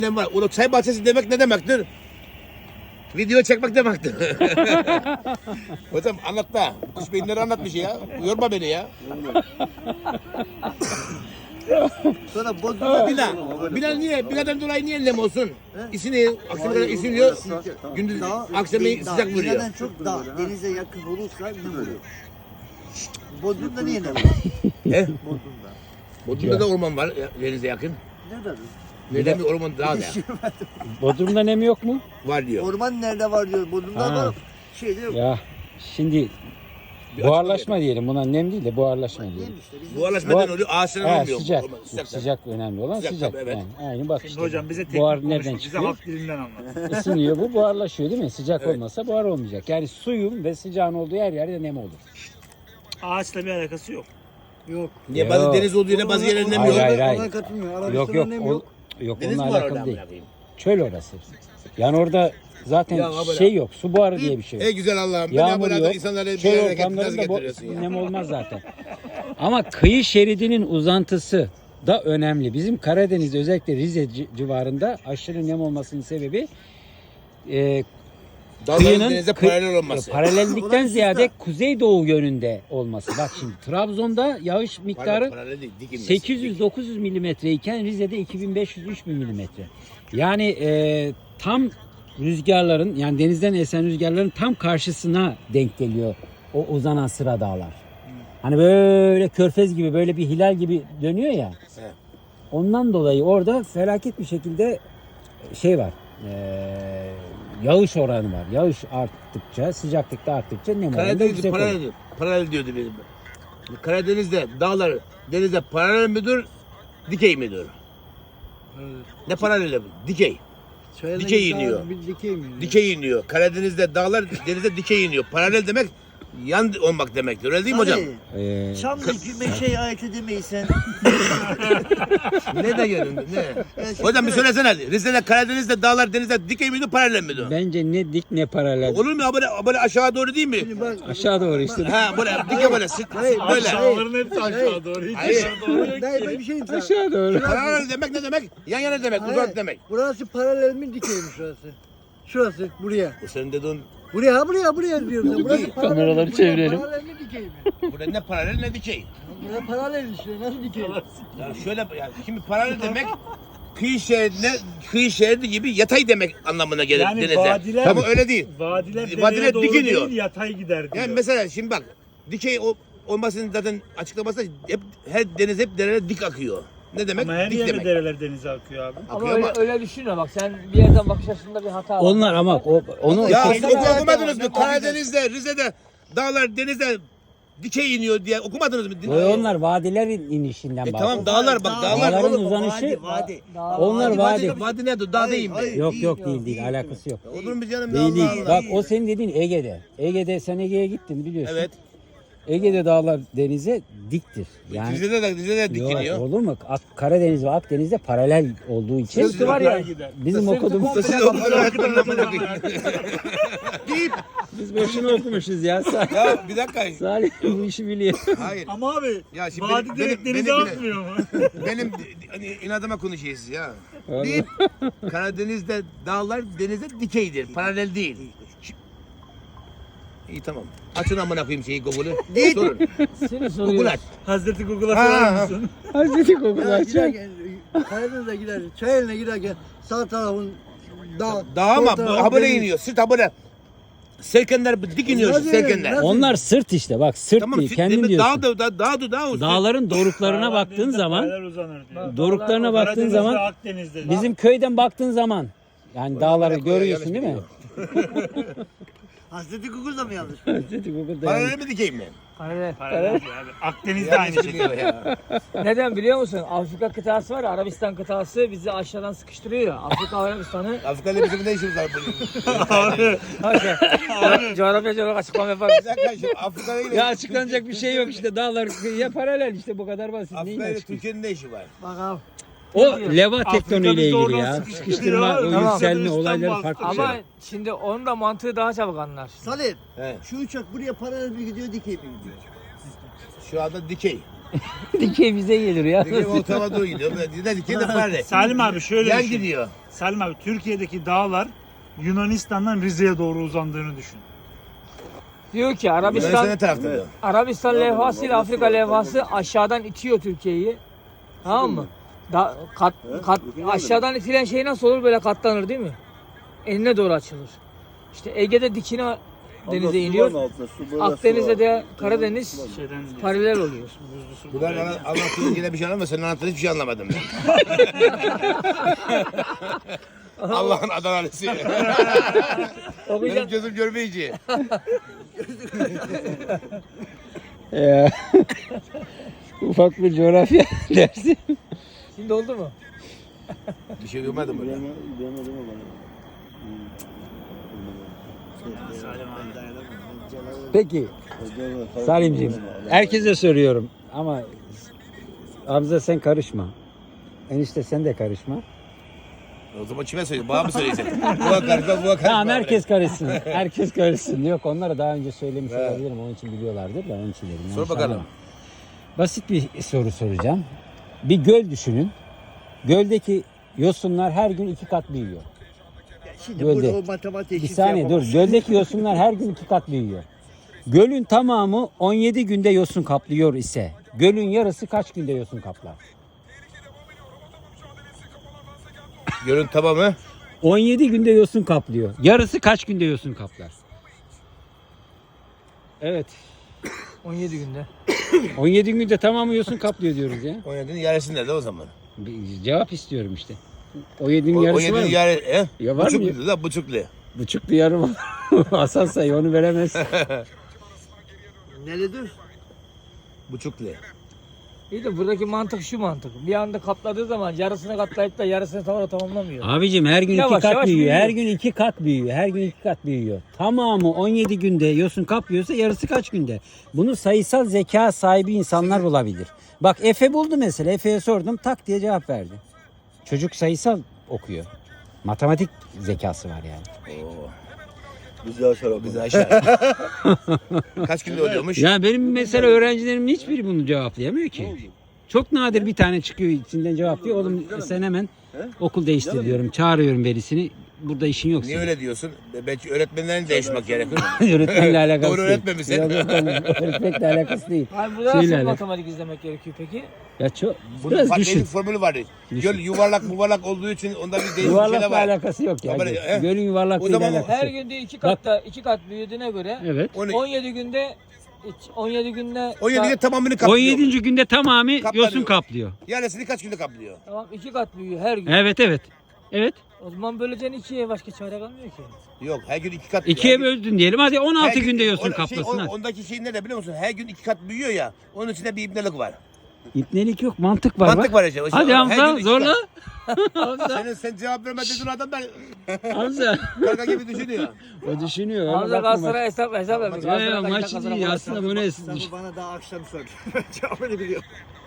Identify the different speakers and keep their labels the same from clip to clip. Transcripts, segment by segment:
Speaker 1: Ne var? O çay bahçesi demek ne demektir? Video çekmek demektir. Hocam anlat da. Kuş beyinleri anlatmış ya. Yorma beni ya.
Speaker 2: Sonra bozulma
Speaker 1: Bilal niye? Bilal'den dolayı niye nem olsun? İsini, akşama kadar isiniyor. Gündüz, akşamı sıcak vuruyor.
Speaker 2: Dağ, çok dağ, denize yakın olursa ne oluyor? Bodrum'da niye ne var?
Speaker 1: He?
Speaker 2: Bodrum'da.
Speaker 1: Bodrum'da da orman var denize yakın.
Speaker 2: Nerede?
Speaker 1: Neden bir orman daha da
Speaker 3: Bodrum'da nem yok mu?
Speaker 1: var diyor.
Speaker 2: Orman nerede var diyor. Bodrum'da
Speaker 3: Ha.
Speaker 2: var. Şeyde yok.
Speaker 3: Ya şimdi
Speaker 1: Bir
Speaker 3: buharlaşma diyelim. Buna nem değil de buharlaşma diyelim.
Speaker 2: Neymiş işte, bizim-
Speaker 1: Buharlaşmadan oluyor, ağaçların
Speaker 3: Ha,
Speaker 1: olmuyor.
Speaker 3: sıcak.
Speaker 1: Orman, sıcak.
Speaker 3: Sıcak önemli olan
Speaker 1: Sıcak
Speaker 3: sıcak.
Speaker 1: tabii, evet.
Speaker 3: Yani aynı bak
Speaker 4: Şimdi
Speaker 3: işte.
Speaker 4: hocam bize teknik
Speaker 3: Buhar
Speaker 4: konuşma,
Speaker 3: nereden
Speaker 4: bize
Speaker 3: çıkıyor?
Speaker 4: halk dilinden anlat.
Speaker 3: Isınıyor bu buharlaşıyor değil mi? Sıcak
Speaker 1: Evet.
Speaker 3: olmasa buhar olmayacak. Yani suyun ve sıcağın olduğu her yerde nem olur.
Speaker 4: Ağaçla bir alakası yok.
Speaker 2: Yok.
Speaker 1: Niye bazı
Speaker 3: Yok.
Speaker 1: deniz olduğu yere bazı yerlerinde mi
Speaker 3: Hayır,
Speaker 1: yok?
Speaker 3: hayır, hayır.
Speaker 2: Ona katılmıyor.
Speaker 3: Yok
Speaker 2: Arabistan'da
Speaker 3: yok.
Speaker 2: nem
Speaker 3: Yok
Speaker 1: Deniz mi
Speaker 3: onunla
Speaker 1: var
Speaker 3: alakalı
Speaker 1: orada?
Speaker 3: değil.
Speaker 1: Değil.
Speaker 3: Çöl orası. Yani orada zaten
Speaker 1: Ya, böyle-
Speaker 3: şey yok. Su buharı diye bir şey yok.
Speaker 1: Ey güzel Allah'ım.
Speaker 3: Yağmur
Speaker 1: Beni
Speaker 3: yok.
Speaker 1: bu insanları bir
Speaker 3: Çöl
Speaker 1: yere nasıl
Speaker 3: ortamlarında
Speaker 1: getiriyorsun ya?
Speaker 3: nem olmaz zaten. Ama kıyı şeridinin uzantısı da önemli. Bizim Karadeniz'de özellikle Rize civarında aşırı nem olmasının sebebi
Speaker 1: Dalların denize paralel olması.
Speaker 3: paralellikten
Speaker 2: Ulan
Speaker 3: ziyade
Speaker 2: işte.
Speaker 3: kuzeydoğu yönünde olması. Bak şimdi Trabzon'da yağış miktarı
Speaker 1: Paralel değil, dik inmesi.
Speaker 3: 800-900 milimetre iken Rize'de 2500-3000 milimetre. Yani tam rüzgarların yani denizden esen rüzgarların tam karşısına denk geliyor o uzanan sıra dağlar. Hani böyle körfez gibi böyle bir hilal gibi dönüyor ya.
Speaker 1: Evet.
Speaker 3: Ondan dolayı orada felaket bir şekilde şey var. Yağış oranı var. Yağış arttıkça, sıcaklık da arttıkça nem oranı da
Speaker 1: Karadeniz'i
Speaker 3: yüksek
Speaker 1: paralel,
Speaker 3: oluyor.
Speaker 1: paralel diyordu benim. Karadeniz'de dağlar denize paralel midir, dikey midir? Ne paralel? Dikey. Dikey iniyor.
Speaker 2: Dikey mi?
Speaker 1: Dikey iniyor. Karadeniz'de dağlar denize dikey iniyor. Paralel demek yan olmak demektir. Öyle değil mi hocam?
Speaker 2: Çamlık meşeyi ayet edemeyiz sen.
Speaker 1: Ne de yanında ne? Hocam bir söylesene. Rize'de Karadeniz'de dağlar denize dikey miydi, paralel miydi?
Speaker 3: Bence ne dik ne paralel.
Speaker 1: Olur mu? Böyle aşağı doğru değil mi?
Speaker 2: Şimdi bak,
Speaker 3: Aşağı doğru işte.
Speaker 1: Ha böyle dike böyle böyle.
Speaker 4: Aşağıların hepsi aşağı doğru. Hiç
Speaker 1: Hayır.
Speaker 4: aşağı doğru yok
Speaker 2: ben
Speaker 4: ki.
Speaker 2: bir şey diyeyim sana.
Speaker 3: Aşağı doğru.
Speaker 1: Paralel demek ne demek? Yan yana demek,
Speaker 2: Hayır,
Speaker 1: uzak demek.
Speaker 2: Burası paralel mi dikey mi şurası? Şurası buraya.
Speaker 1: Bu senin dediğin
Speaker 2: Buraya diyorum. ben. Burası paralel mi?
Speaker 3: Kameraları
Speaker 2: Buraya
Speaker 3: çevirelim.
Speaker 2: Paralel mi dikey mi?
Speaker 1: burada ne paralel ne dikey.
Speaker 2: Buraya paralel işte. Nasıl dikey?
Speaker 1: Ya şöyle yani şimdi paralel demek kıyı şeridi gibi yatay demek anlamına gelir
Speaker 4: Yani
Speaker 1: denize.
Speaker 4: vadiler-
Speaker 1: Ama öyle değil.
Speaker 4: Vadiler
Speaker 1: Vadiler
Speaker 4: dereye doğru
Speaker 1: dik iniyor.
Speaker 4: değil yatay gider diyor.
Speaker 1: Yani mesela şimdi bak dikey olmasının zaten açıklaması hep her deniz hep derelere dik akıyor. Ne demek?
Speaker 4: Ama her
Speaker 1: dik
Speaker 4: yerde
Speaker 1: demek.
Speaker 4: dereler denize akıyor abi.
Speaker 5: Ama
Speaker 1: Akıyor
Speaker 5: öyle,
Speaker 1: ama-
Speaker 5: öyle düşünme bak sen bir yerden bakış açısında bir hata var.
Speaker 3: Onlar ama onu
Speaker 1: Ya
Speaker 3: şey-
Speaker 1: siz okumadınız mı? Karadeniz'de, Rize'de dağlar denize dikey iniyor diye okumadınız mı?
Speaker 3: onlar vadilerin inişinden
Speaker 1: Tamam dağlar bak dağlar.
Speaker 3: Dağların
Speaker 2: oğlum,
Speaker 3: uzanışı-
Speaker 2: Vadi.
Speaker 3: Onlar vadi.
Speaker 1: Vadi nedir? Dağ değil mi?
Speaker 2: Hayır.
Speaker 3: Yok değil alakası yok.
Speaker 1: Olur mu canım?
Speaker 3: Değil
Speaker 1: Allah
Speaker 3: değil.
Speaker 1: Allah.
Speaker 3: Bak o senin dediğin Ege'de. Ege'de sen Ege'ye gittin biliyorsun.
Speaker 1: Evet.
Speaker 3: Ege'de dağlar denize diktir. Yani
Speaker 1: Rize'de dik
Speaker 3: yok,
Speaker 1: iniyor.
Speaker 3: olur mu? Karadeniz ve Akdeniz'de paralel olduğu için
Speaker 1: Sırtı var ya.
Speaker 3: bizim okuduğumuz
Speaker 1: Siz okudun öğretmenin amına koyayım. Deyip
Speaker 3: biz boşuna okumuşuz ya.
Speaker 1: ya bir dakika.
Speaker 3: Salih bu işi biliyor.
Speaker 1: Hayır.
Speaker 4: Ama abi
Speaker 1: Ya şimdi
Speaker 4: vadi direkt denize atmıyor mu?
Speaker 1: Benim hani inadıma konuşuyorsunuz ya. Deyip Karadeniz'de dağlar denize dikeydir. Paralel değil. İyi tamam. Açın amına koyayım şeyi Google'ı.
Speaker 2: Değil.
Speaker 1: Sorun.
Speaker 5: Seni
Speaker 1: Google
Speaker 5: soruyor.
Speaker 1: aç.
Speaker 4: Hazreti Google'a
Speaker 1: Ha,
Speaker 4: sorar
Speaker 1: ha.
Speaker 4: mısın?
Speaker 3: Hazreti Google
Speaker 2: Ya
Speaker 3: açacak.
Speaker 2: giderken, Karadeniz'e giderken, Çayeli'ne giderken sağ tarafın dağ.
Speaker 1: Dağ ama
Speaker 2: sol tarafın
Speaker 1: ha böyle
Speaker 2: deniz.
Speaker 1: iniyor. Sırt ha böyle. Serkenler dik iniyor
Speaker 2: Nasıl
Speaker 1: serkenler.
Speaker 2: yani?
Speaker 3: Onlar sırt işte bak sırt
Speaker 1: Tamam
Speaker 3: değil kendin diyorsun.
Speaker 1: dağ o.
Speaker 3: Dağların doruklarına baktığın
Speaker 4: Denizde
Speaker 3: zaman
Speaker 4: paralel uzanır diyor.
Speaker 3: doruklarına baktığın
Speaker 4: Karadeniz'de,
Speaker 3: zaman
Speaker 4: Akdeniz'de.
Speaker 3: bizim köyden baktığın zaman yani dağları
Speaker 1: Yanlış
Speaker 3: görüyorsun değil mi?
Speaker 1: biliyor.
Speaker 2: Hazreti Google'da mı yanlış?
Speaker 3: Hazreti Google'da
Speaker 1: Paralel mi dikey mi?
Speaker 5: Paralel.
Speaker 4: Paralel diyor abi. Akdeniz'de aynı
Speaker 1: Yanlış
Speaker 4: şekilde.
Speaker 1: biliyor ya.
Speaker 5: Neden biliyor musun? Afrika kıtası var ya, Arabistan kıtası bizi aşağıdan sıkıştırıyor ya. Afrika Arabistan'ı
Speaker 1: Afrika'yla bizim ne işimiz var bunun?
Speaker 5: coğrafyacı olarak açıklama yapar.
Speaker 1: Bir dakika şu Afrika'yla
Speaker 3: Ya açıklanacak bir şey yok işte dağlar ya paralel işte bu kadar basit. Neyin
Speaker 1: Afrika'yla
Speaker 3: açıklayayım?
Speaker 1: Türkiye'nin ne işi var?
Speaker 2: Bak abi.
Speaker 3: O leva
Speaker 4: Afrika
Speaker 3: tektoniğiyle
Speaker 4: bizi
Speaker 3: ilgili
Speaker 4: oradan
Speaker 3: ya.
Speaker 4: sıkıştırıyor.
Speaker 3: Sıkıştırma, o
Speaker 4: Tamam.
Speaker 3: yükselme
Speaker 4: Üstten
Speaker 3: olayları
Speaker 4: bastı.
Speaker 3: farklı bir şey.
Speaker 5: Ama şimdi onun da mantığı daha çabuk anlar.
Speaker 2: Salih,
Speaker 1: He.
Speaker 2: şu uçak buraya paralel mi gidiyor, dikey mi gidiyor?
Speaker 1: Şu anda dikey.
Speaker 3: Dikey bize gelir ya.
Speaker 1: Dikey ortama doğru gidiyor. Dikey de paralel.
Speaker 4: Salim abi şöyle
Speaker 1: Yan
Speaker 4: düşün.
Speaker 1: gidiyor.
Speaker 4: Salim abi Türkiye'deki dağlar Yunanistan'dan Rize'ye doğru uzandığını düşün.
Speaker 5: Diyor ki
Speaker 1: Yunanistan ne tarafta diyor.
Speaker 5: Arabistan levhası ile Afrika levhası aşağıdan itiyor Türkiye'yi. Tamam mı? Aşağıdan itilen şey nasıl olur? Böyle katlanır değil mi? Eline doğru açılır. İşte Ege'de dikine denize iniyor. Akdeniz'de de Karadeniz
Speaker 4: Şeyden
Speaker 5: paralel oluyor.
Speaker 1: Bunlar anlattığın yine bir şey anlamadım. Senin anlattığın hiçbir şey anlamadım ben. Allah'ın adaleti. Benim
Speaker 5: Okuyacağım.
Speaker 1: gözüm görmeyici.
Speaker 3: Ufak bir coğrafya dersi.
Speaker 5: Şimdi oldu mu?
Speaker 1: Bir şey duymadım burada.
Speaker 3: Peki Salimciğim, herkese soruyorum ama Hamza sen karışma. Enişte sen de karışma.
Speaker 1: O zaman kime söylüyorsun? Bana mı söyleyeceksin? Buna karışma, buna karışma.
Speaker 3: Tamam herkes karışsın. Herkes karışsın. Yok onlara daha önce söylemiş olabilirim. Onun için biliyorlardır da onun için dedim.
Speaker 1: Sor
Speaker 3: Yanlış
Speaker 1: bakalım.
Speaker 3: anlama. Basit bir soru soracağım. Bir göl düşünün. Göldeki yosunlar her gün 2 kat büyüyor.
Speaker 2: Şimdi
Speaker 3: Gölde.
Speaker 2: burada o matematik
Speaker 3: Bir saniye dur. Göldeki yosunlar her gün 2 kat büyüyor. Gölün tamamı 17 günde yosun kaplıyor ise gölün yarısı kaç günde yosun kaplar?
Speaker 1: Gölün tamamı
Speaker 3: 17 günde yosun kaplıyor. Yarısı kaç günde yosun kaplar? Evet.
Speaker 5: 17 günde.
Speaker 3: 17 günde tamamı yosun kaplıyor diyoruz ya.
Speaker 1: 17'nin yarısı nerede o zaman?
Speaker 3: Bir cevap istiyorum işte. 17'nin yarısı var
Speaker 1: 17'nin
Speaker 3: mı?
Speaker 1: yarısı.
Speaker 3: Ya var mı?
Speaker 1: Buçuklu da buçuklu.
Speaker 3: Buçuklu yarım. Hasan say onu veremez.
Speaker 2: Neredir?
Speaker 1: Buçuklu.
Speaker 5: İyi de buradaki mantık şu mantık. Bir anda katladığı zaman yarısını katlayıp da yarısını tamamlamıyor.
Speaker 3: Abicim her gün
Speaker 5: Yavaş
Speaker 3: 2 kat
Speaker 5: yavaş
Speaker 3: büyüyor.
Speaker 5: büyüyor.
Speaker 3: Her gün 2 kat büyüyor. Her gün 2 kat büyüyor. Tamamı 17 günde yosun kaplıyorsa yarısı kaç günde? Bunu sayısal zeka sahibi insanlar bulabilir. Bak Efe buldu mesela. Efe'ye sordum tak diye cevap verdi. Çocuk sayısal okuyor. Matematik zekası var yani.
Speaker 2: Bizi aşağı.
Speaker 1: Bizi aşağı. Kaç günde oluyormuş?
Speaker 3: Ya benim mesela öğrencilerimin hiçbiri bunu cevaplayamıyor ki. Çok nadir bir tane çıkıyor içinden cevaplıyor. Oğlum sen hemen okul değiştir diyorum. Çağırıyorum verisini. Burada işin yok
Speaker 1: Niye
Speaker 3: senin.
Speaker 1: öyle diyorsun? Belki öğretmenlerin değişmek gerekir.
Speaker 3: Öğretmenle alakası
Speaker 1: Doğru
Speaker 3: değil.
Speaker 1: öğretmemişsin.
Speaker 3: Yok, öğretmenle alakası değil.
Speaker 5: Hayır burada
Speaker 3: Şeyle
Speaker 5: nasıl
Speaker 3: alakalı.
Speaker 5: matematik izlemek gerekiyor peki?
Speaker 3: Ya çok
Speaker 1: Bunun
Speaker 3: biraz
Speaker 1: farklı
Speaker 3: düşün.
Speaker 1: bir formülü var. Göl yuvarlak olduğu için onda bir değişik şeyler
Speaker 3: Yuvarlakla
Speaker 1: var.
Speaker 3: alakası yok ya.
Speaker 1: Ama he?
Speaker 3: Gölün yuvarlaklığıyla
Speaker 1: O zaman
Speaker 3: alakası
Speaker 5: Her
Speaker 3: yok.
Speaker 5: günde 2 kat büyüdüğüne göre
Speaker 3: Evet.
Speaker 5: 17 günde 17 günde
Speaker 1: 17'de tamamını kaplıyor.
Speaker 3: 17. günde tamamı
Speaker 1: Kaplanıyor.
Speaker 3: yosun kaplıyor.
Speaker 1: Yarısını kaç günde kaplıyor?
Speaker 5: tamam 2 kat büyüyor her gün.
Speaker 3: Evet evet. Evet.
Speaker 5: O zaman böleceğin 2'ye başka çare kalmıyor ki.
Speaker 1: Yok her gün 2 kat.
Speaker 3: İkiye
Speaker 1: Her gün-
Speaker 3: böldün diyelim. Hadi 16
Speaker 1: her gün-
Speaker 3: günde yosun
Speaker 1: o-
Speaker 3: kaplasın. hadi.
Speaker 1: ondaki şey ne de biliyor musun? Her gün 2 kat büyüyor ya. Onun içinde bir ibnelik var.
Speaker 3: İpnelik yok, mantık var.
Speaker 1: Mantık
Speaker 3: bak.
Speaker 1: var işte.
Speaker 3: Hadi
Speaker 1: Her
Speaker 3: Hamza
Speaker 1: gün iki
Speaker 3: zorla.
Speaker 1: Sen cevap vermediğin adam ben
Speaker 3: Hamza.
Speaker 1: karga gibi düşünüyor.
Speaker 3: O düşünüyor. öyle
Speaker 5: Hamza
Speaker 3: bakma bak.
Speaker 5: Galatasaray hesap yapıyor.
Speaker 3: Ya,
Speaker 5: Galatasaray'dan
Speaker 3: maç
Speaker 5: kazanan
Speaker 3: değil
Speaker 5: var.
Speaker 3: aslında bu ne?
Speaker 2: Kitabı bana daha akşam sordu. Cevabını biliyorum.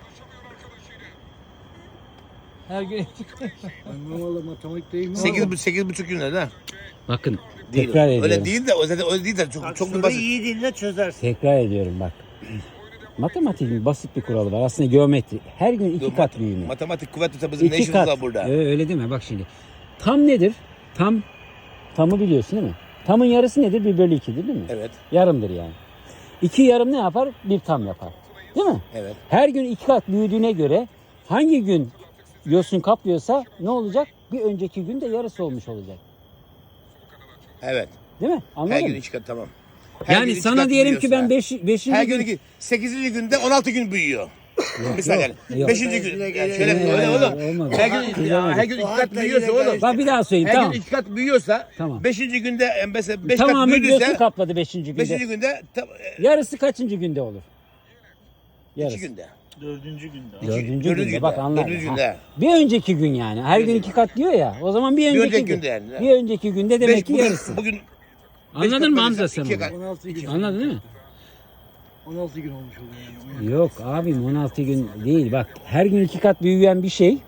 Speaker 5: Her gün
Speaker 2: Ben valla matematik değil mi?
Speaker 1: 8,5 günde de.
Speaker 3: Bakın
Speaker 1: Değil.
Speaker 3: tekrar ediyorum.
Speaker 1: Öyle değil de öyle değil de çok bir
Speaker 2: Soruyu
Speaker 1: basit.
Speaker 2: iyi dinle çözersin.
Speaker 3: Tekrar ediyorum bak. Matematiğin basit bir kuralı var. Aslında geometri. Her gün 2 kat büyüme.
Speaker 1: Matematik kuvvetli bizim ne
Speaker 3: 2
Speaker 1: işimiz
Speaker 3: kat.
Speaker 1: var burada?
Speaker 3: Öyle deme bak şimdi. Tam nedir? Tamı biliyorsun değil mi? Tamın yarısı nedir? 1/2'dir değil mi?
Speaker 1: Evet.
Speaker 3: Yarımdır yani. 2 yarım ne yapar? 1 tam yapar. Değil mi?
Speaker 1: Evet.
Speaker 3: Her gün 2 kat büyüdüğüne göre hangi gün yosun kaplıyorsa ne olacak? Bir önceki gün de yarısı olmuş olacak.
Speaker 1: Evet.
Speaker 3: Değil mi? Anladın
Speaker 1: Her
Speaker 3: mı?
Speaker 1: gün 2 kat tamam. Her gün
Speaker 3: Yani
Speaker 1: iki
Speaker 3: sana
Speaker 1: kat
Speaker 3: diyelim ki ben
Speaker 1: büyüyorsa.
Speaker 3: 5.
Speaker 1: Her gün
Speaker 3: gün
Speaker 1: 8. günde 16 gün büyüyor. Misal yani.
Speaker 3: yok.
Speaker 1: 5. gün. Yani şöyle
Speaker 3: Yok,
Speaker 1: öyle
Speaker 3: yok,
Speaker 1: oğlum.
Speaker 3: olmadı.
Speaker 1: Her gün 2 kat büyüyorsa oğlum.
Speaker 3: Bak bir daha söyleyeyim
Speaker 1: Her
Speaker 3: tamam.
Speaker 1: gün 2 kat büyüyorsa
Speaker 3: Tamam.
Speaker 1: 5. günde mesela 5 kat
Speaker 3: Tamamı yosun
Speaker 1: büyüdüyse
Speaker 3: kapladı 5.
Speaker 1: 5.
Speaker 3: günde.
Speaker 1: günde
Speaker 3: Yarısı kaçıncı günde olur?
Speaker 1: 2
Speaker 3: Yarısı.
Speaker 1: günde.
Speaker 4: 4. günde.
Speaker 3: Dördüncü günde. Bak anladın.
Speaker 1: Dördüncü
Speaker 3: Ha.
Speaker 1: günde.
Speaker 3: Bir önceki gün yani. Her gün 2 kat diyor ya. O zaman bir önceki,
Speaker 1: önceki
Speaker 3: gün.
Speaker 1: günde yani.
Speaker 3: Bir önceki günde demek ki yarısı.
Speaker 1: Bugün
Speaker 3: Anladın mı Hamza sen
Speaker 1: 2
Speaker 3: onu?
Speaker 1: kat.
Speaker 2: 16 gün.
Speaker 3: Anladın değil mi?
Speaker 2: 16 gün olmuş oluyor yani.
Speaker 3: Yok abim 16 gün değil. Bak her gün 2 kat büyüyen bir şey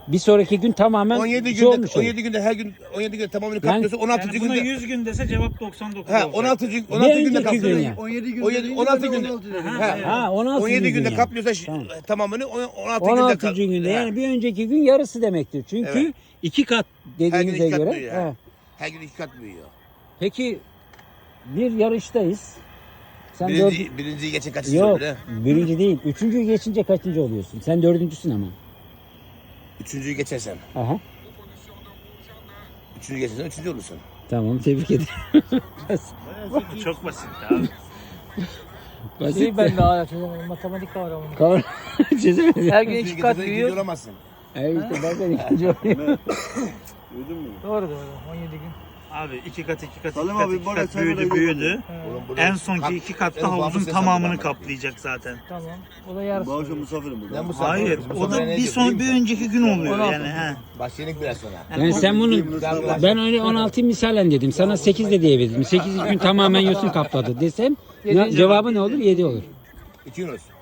Speaker 3: Bir sonraki gün tamamen
Speaker 1: 17
Speaker 3: şey
Speaker 1: günde
Speaker 3: olmuş olur.
Speaker 1: 17 günde her gün 17 günde tamamını kaplıyorsa 16.
Speaker 4: Yani buna
Speaker 1: günde
Speaker 4: 100 gün dese cevap 99
Speaker 1: ha
Speaker 4: olacak.
Speaker 1: 16.
Speaker 3: Bir
Speaker 1: 16 günde
Speaker 3: önceki gün
Speaker 1: kaplıyor.
Speaker 3: ya.
Speaker 2: 17 gün
Speaker 1: 17
Speaker 2: deyince
Speaker 1: 16
Speaker 2: ben de
Speaker 1: günde.
Speaker 2: 16 dedim.
Speaker 3: Ha 16.
Speaker 1: 17 günde
Speaker 3: yani.
Speaker 1: kaplıyorsa
Speaker 3: Tamam.
Speaker 1: tamamını 16
Speaker 3: 16.
Speaker 1: günde
Speaker 3: günde
Speaker 1: Ha.
Speaker 3: yani bir önceki gün yarısı demektir. Çünkü
Speaker 1: Evet.
Speaker 3: 2 kat
Speaker 1: Her gün
Speaker 3: dediğinize
Speaker 1: 2 kat
Speaker 3: göre.
Speaker 1: büyüyor.
Speaker 3: Ha.
Speaker 1: Her gün 2 kat büyüyor.
Speaker 3: Peki bir yarıştayız. Sen
Speaker 1: Birinciyi geçen kaçıncı
Speaker 3: Yok,
Speaker 1: öyle?
Speaker 3: birinci değil. Üçüncüyü geçince kaçıncı oluyorsun? Sen dördüncüsün ama.
Speaker 1: Üçüncüyü geçersen.
Speaker 3: Aha.
Speaker 1: Üçüncüyü geçersen üçüncü olursun.
Speaker 3: Tamam, tebrik ederim.
Speaker 4: Çok basit abi.
Speaker 3: Basit
Speaker 5: Şey ben daha çözemedim. Matematik kavramını.
Speaker 3: Kavram çözemedim.
Speaker 5: Her gün
Speaker 1: Üçüncüyü
Speaker 5: 2 kat
Speaker 1: geçersen ikinci
Speaker 5: büyüyor.
Speaker 1: olamazsın.
Speaker 3: Evet işte ben de ikinci olayım.
Speaker 5: Doğru 17 gün.
Speaker 4: Abi 2 kat 2 kat 2
Speaker 2: Salim
Speaker 4: kat
Speaker 2: abi,
Speaker 4: 2
Speaker 2: bana
Speaker 4: kat
Speaker 2: sen
Speaker 4: büyüdü
Speaker 2: böyle
Speaker 4: büyüdü.
Speaker 1: Oğlum burada
Speaker 4: En sonki
Speaker 1: kap-
Speaker 4: 2 katta
Speaker 1: en
Speaker 4: havuzun
Speaker 1: babası
Speaker 4: tamamını
Speaker 1: sen
Speaker 4: kaplayacak zaten.
Speaker 5: Tamam. O da yarısı.
Speaker 2: Bu akşam misafirim burada.
Speaker 1: Ben bu
Speaker 4: Hayır,
Speaker 1: sefer- bu
Speaker 4: o da
Speaker 1: sefer ne
Speaker 4: bir
Speaker 1: diyor
Speaker 4: son
Speaker 1: biliyor
Speaker 4: bir
Speaker 1: musun?
Speaker 4: önceki gün oluyor
Speaker 5: 16.
Speaker 4: yani he.
Speaker 1: Başlayalım biraz sonra.
Speaker 3: Yani sen bunu ben öyle 16 misalen dedim. Sana 8 de diyebilirim. 8 gün tamamen yosun kapladı desem
Speaker 5: Yedi-
Speaker 3: cevabı ne olur? 7 olur.
Speaker 1: İki gün olsun.